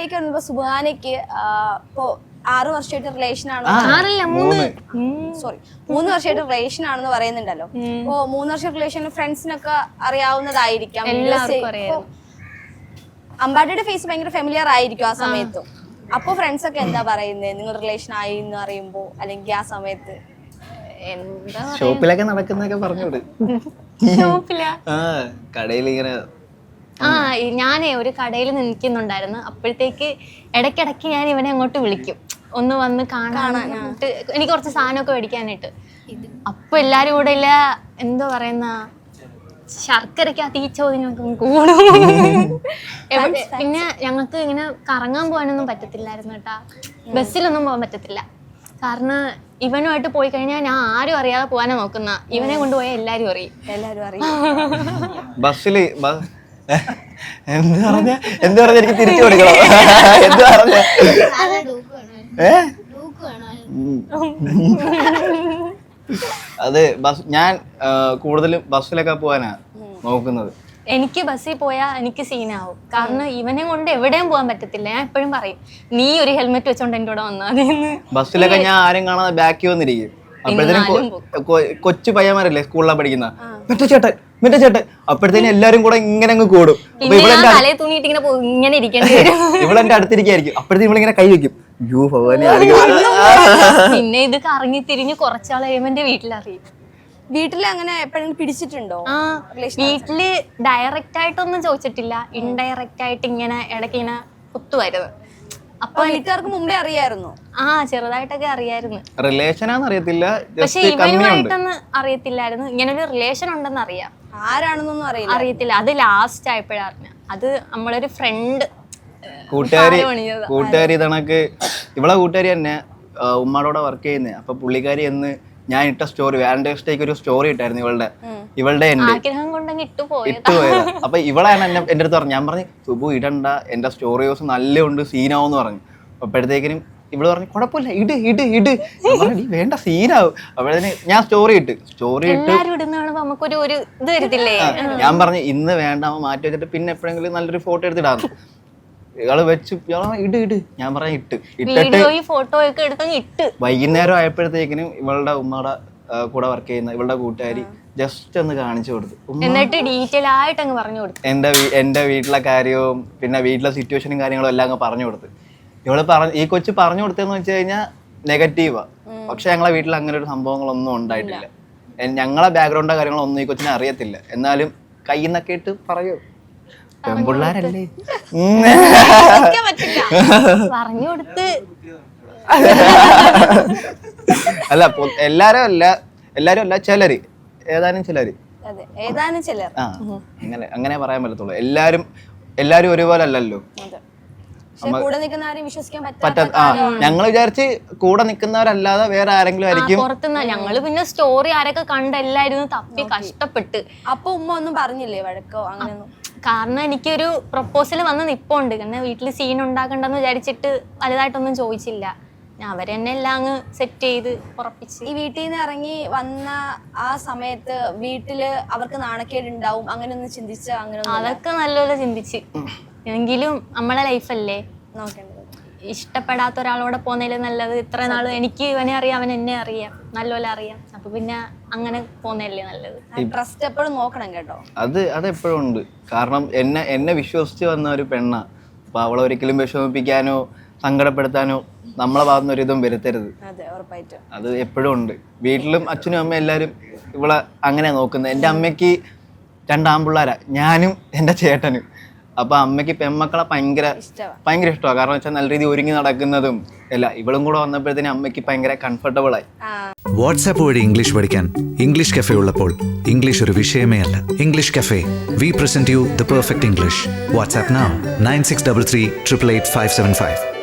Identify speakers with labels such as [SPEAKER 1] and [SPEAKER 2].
[SPEAKER 1] ലൈഫിലേക്ക് വന്നപ്പോ സുബാനയ്ക്ക് ഇപ്പോ 6 വർഷമായിട്ട് റിലേഷൻ ആണ്, 3 വർഷമായിട്ട് റിലേഷൻ ആണെന്ന് പറയുന്നുണ്ടല്ലോ. അപ്പോ 3 വർഷം റിലേഷൻ ഫ്രണ്ട്സിനൊക്കെ അറിയാവുന്നതായിരിക്കാം. അമ്പാടിയുടെ ഫേസ് ഭയങ്കര ഫെമിലിയർ ആയിരിക്കും ആ സമയത്തും. അപ്പൊ ഫ്രണ്ട്സ് ഒക്കെ എന്താ പറയുന്നത് നിങ്ങൾ റിലേഷൻ ആയി എന്ന് അറിയുമ്പോ, അല്ലെങ്കിൽ ആ സമയത്ത്?
[SPEAKER 2] ഷോപ്പിലൊക്കെ നടക്കുന്നൊക്കെ പറഞ്ഞോട്. കടയിൽ ഇങ്ങനെ
[SPEAKER 3] ഞാനേ ഒരു കടയിൽ നിൽക്കുന്നുണ്ടായിരുന്നു. അപ്പോഴത്തേക്ക് ഇടയ്ക്കിടയ്ക്ക് ഞാൻ ഇവനെ അങ്ങോട്ട് വിളിക്കും, ഒന്ന് വന്ന് കാണാനായിട്ട്, എനിക്ക് കുറച്ച് സാധനമൊക്കെ മേടിക്കാനായിട്ട്. അപ്പൊ എല്ലാരും കൂടെ ഇല്ല എന്തോ പറയുന്ന ശർക്കരക്കകത്ത് ഈ ചോദ്യം കൂടും. പിന്നെ ഞങ്ങൾക്ക് ഇങ്ങനെ കറങ്ങാൻ പോകാനൊന്നും പറ്റത്തില്ലായിരുന്നു കേട്ടാ. ബസ്സിലൊന്നും പോകാൻ പറ്റത്തില്ല. കാരണം ഇവനുമായിട്ട് പോയി കഴിഞ്ഞാൽ ഞാൻ ആരും അറിയാതെ പോകാനാ നോക്കുന്ന. ഇവനെ കൊണ്ടുപോയാൽ എല്ലാരും അറിയും.
[SPEAKER 2] ബസ്സില് എന്ത് പറഞ്ഞ എനിക്ക് തിരിച്ചു കൊടുക്കണം. എന്ത് പറഞ്ഞ അത് ഞാൻ കൂടുതലും ബസ്സിലൊക്കെ പോകാനാ നോക്കുന്നത്.
[SPEAKER 3] എനിക്ക് ബസ്സിൽ പോയാൽ എനിക്ക് സീനാവും. കാരണം ഇവനെ കൊണ്ട് എവിടെയും പോകാൻ പറ്റത്തില്ല. ഞാൻ എപ്പോഴും പറയും, നീ ഒരു ഹെൽമെറ്റ് വെച്ചോണ്ട് എൻ്റെ കൂടെ വന്നാൽ.
[SPEAKER 2] ബസ്സിലൊക്കെ ഞാൻ ആരും കാണാതെ ബാക്കി വന്നിരിക്കും. അപ്പോഴത്തേനും കൊച്ചു പയ്യന്മാരല്ലേ സ്കൂളിലാണ് പഠിക്കുന്ന, മറ്റേ ചേട്ടൻ അപ്പോഴത്തേനും എല്ലാരും കൂടെ ഇങ്ങനെ അങ്ങ് കൂടും. ഇവളെന്റെ അടുത്തിരിക്കായിരിക്കും. അപ്പോഴത്തേക്കും ഇവളിങ്ങനെ കൈ വെക്കും.
[SPEAKER 3] പിന്നെ ഇത് കറങ്ങി തിരിഞ്ഞ് കുറച്ചാൾ കഴിയുമ്പോൾ എന്റെ വീട്ടിലറിയും.
[SPEAKER 1] വീട്ടില് അങ്ങനെ എപ്പോഴെങ്കിലും പിടിച്ചിട്ടുണ്ടോ?
[SPEAKER 3] വീട്ടില് ഡയറക്റ്റ് ആയിട്ടൊന്നും ചോദിച്ചിട്ടില്ല, ഇൻഡയറക്റ്റ് ആയിട്ട് ഇങ്ങനെ ഇടയ്ക്ക് ഇങ്ങനെ കുത്തുവായിരുന്നു.
[SPEAKER 1] അപ്പൊ വീട്ടുകാർക്ക് മുമ്പേ അറിയായിരുന്നു?
[SPEAKER 3] ചെറുതായിട്ടൊക്കെ അറിയായിരുന്നു.
[SPEAKER 2] റിലേഷനാന്ന് അറിയത്തില്ല,
[SPEAKER 3] പക്ഷെ ഇവനുമായിട്ടൊന്നും അറിയത്തില്ലായിരുന്നു. ഇങ്ങനെ ഒരു റിലേഷൻ ഉണ്ടെന്ന് അറിയാം,
[SPEAKER 1] ആരാണെന്നൊന്നും
[SPEAKER 3] അറിയത്തില്ല. അത് ലാസ്റ്റ് ആയപ്പോഴാണ് അറിഞ്ഞ. അത് നമ്മളൊരു ഫ്രണ്ട്
[SPEAKER 2] കൂട്ടുകാരി കണക്ക് ഇവളെ കൂട്ടുകാരി തന്നെ ഉമ്മാടോടെ വർക്ക് ചെയ്യുന്നത്. അപ്പൊ പുള്ളിക്കാരി എന്ന് ഞാൻ ഇട്ട സ്റ്റോറി, വാലന്റൈൻസ് ഡേക്ക് ഒരു സ്റ്റോറി ഇട്ടായിരുന്നു ഇവളുടെ ഇട്ടുപോയത്. അപ്പൊ ഇവളാണ് എന്റെ അടുത്ത് പറഞ്ഞു. ഞാൻ പറഞ്ഞു സുബു ഇടണ്ട, എന്റെ സ്റ്റോറി ദിവസം നല്ല ഉണ്ട്, സീനാവെന്ന് പറഞ്ഞു. അപ്പോഴത്തേക്കിനും ഇവള് പറഞ്ഞു കുഴപ്പമില്ല, ഇട് വേണ്ട, സീനാവും. അപ്പോഴത്തേന് ഞാൻ സ്റ്റോറി ഇട്ട് ഞാൻ പറഞ്ഞു ഇന്ന് വേണ്ട, മാറ്റി വെച്ചിട്ട് പിന്നെ എപ്പോഴെങ്കിലും നല്ലൊരു ഫോട്ടോ എടുത്തിടാന്ന്. ഇയാള് വെച്ച് ഇട് ഞാൻ പറഞ്ഞ ഇട്ടിട്ട് വൈകുന്നേരം ആയപ്പോഴത്തേക്കിനും ഇവളുടെ ഉമ്മയുടെ കൂടെ വർക്ക് ചെയ്യുന്ന ഇവളുടെ കൂട്ടുകാരി ജസ്റ്റ് ഒന്ന് കാണിച്ചു കൊടുത്തു.
[SPEAKER 3] എന്നിട്ട് ഡീറ്റെയിൽ ആയിട്ട് അങ്ങ് പറഞ്ഞു കൊടുത്തു.
[SPEAKER 2] എന്റെ വീട്ടിലെ കാര്യവും പിന്നെ വീട്ടിലെ സിറ്റുവേഷനും കാര്യങ്ങളും എല്ലാം അങ്ങ് പറഞ്ഞു കൊടുത്തു. ഈ കൊച്ചു പറഞ്ഞു കൊടുത്തതെന്ന് വെച്ച് കഴിഞ്ഞാൽ നെഗറ്റീവാ. പക്ഷെ ഞങ്ങളെ വീട്ടിൽ അങ്ങനെ ഒരു സംഭവങ്ങളൊന്നും ഉണ്ടായിട്ടില്ല. ഞങ്ങളെ ബാക്ക്ഗ്രൗണ്ടോ കാര്യങ്ങളൊന്നും ഈ കൊച്ചിനെ അറിയത്തില്ല. എന്നാലും കയ്യിൽ നിന്നൊക്കെ ഇട്ട് പറയൂ, പെൺപിള്ളാരല്ലേ
[SPEAKER 3] പറഞ്ഞു കൊടുത്ത്.
[SPEAKER 2] അല്ല എല്ലാരും അല്ല, ഏതാനും ചിലര് അങ്ങനെ പറയാൻ പറ്റത്തുള്ളൂ. എല്ലാരും ഒരുപോലെ അല്ലല്ലോ. ഞങ്ങൾ വിചാരിച്ച് കൂടെ നിൽക്കുന്നവരല്ലാതെ വേറെ ആരെങ്കിലും ആയിരിക്കും
[SPEAKER 3] പുറത്തുനിന്ന്. ഞങ്ങള് പിന്നെ സ്റ്റോറി ആരൊക്കെ കണ്ടെല്ലായിരുന്നു തപ്പി കഷ്ടപ്പെട്ട്.
[SPEAKER 1] അപ്പൊ ഉമ്മ ഒന്നും പറഞ്ഞില്ലേ, വഴക്കോ അങ്ങനെയൊന്നും?
[SPEAKER 3] കാരണം എനിക്കൊരു പ്രപ്പോസൽ വന്ന് നിപ്പുണ്ട്. കാരണം വീട്ടിൽ സീൻ ഉണ്ടാക്കണ്ടെന്ന് വിചാരിച്ചിട്ട് വലുതായിട്ടൊന്നും ചോദിച്ചില്ല. അവരെന്നെ എല്ലാം അങ്ങ് സെറ്റ് ചെയ്ത് ഉറപ്പിച്ച്.
[SPEAKER 1] ഈ വീട്ടിൽ നിന്ന് ഇറങ്ങി വന്ന ആ സമയത്ത് വീട്ടില് അവർക്ക് നാണക്കേട് ഉണ്ടാവും, അങ്ങനെയൊന്നും ചിന്തിച്ച? അങ്ങനെ
[SPEAKER 3] അതൊക്കെ നല്ലപോലെ ചിന്തിച്ച്. എങ്കിലും നമ്മളെ ലൈഫല്ലേ
[SPEAKER 1] നോക്കേണ്ടത്.
[SPEAKER 3] ഇഷ്ടപ്പെടാത്ത ഒരാളോടെ പോകുന്നതിൽ നല്ലത്. ഇത്ര നാള് എനിക്ക് ഇവനെ അറിയാം, അവൻ എന്നെ അറിയാം, നല്ലപോലെ അറിയാം. അപ്പൊ പിന്നെ അങ്ങനെ പോകുന്നതല്ലേ നല്ലത്.
[SPEAKER 1] ട്രസ്റ്റ് എപ്പോഴും നോക്കണം കേട്ടോ.
[SPEAKER 2] അത് എപ്പോഴും ഉണ്ട്. കാരണം എന്നെ വിശ്വസിച്ച് വന്ന ഒരു പെണ്ണ. അപ്പൊ അവളെ ഒരിക്കലും വിഷമിപ്പിക്കാനോ സങ്കടപ്പെടുത്താനോ നമ്മളെ ഭാഗത്തുനിന്ന് ഒരിതും വരുത്തരുത്. അത് എപ്പോഴും ഉണ്ട്. വീട്ടിലും അച്ഛനും അമ്മയും എല്ലാരും ഇവളെ അങ്ങനെ നോക്കുന്നത്. എൻ്റെ അമ്മയ്ക്ക് 2 ആൺപിള്ളേരാ, ഞാനും എൻ്റെ ചേട്ടനും. അപ്പൊ അമ്മയ്ക്ക് പെൺമക്കളെ ഭയങ്കര ഇഷ്ടമാണ്. കാരണം വെച്ചാൽ നല്ല രീതിയിൽ ഒരുങ്ങി നടക്കുന്നതും അല്ല. ഇവളും കൂടെ വന്നപ്പോഴത്തേനും അമ്മയ്ക്ക് ഭയങ്കര കംഫർട്ടബിൾ ആയി.
[SPEAKER 4] വാട്സാപ്പ് വഴി ഇംഗ്ലീഷ് പഠിക്കാൻ ഇംഗ്ലീഷ് കഫേ ഉള്ളപ്പോൾ ഇംഗ്ലീഷ് ഒരു വിഷയമേ അല്ല. English cafe, we present you the perfect English. WhatsApp now 9633 888 575.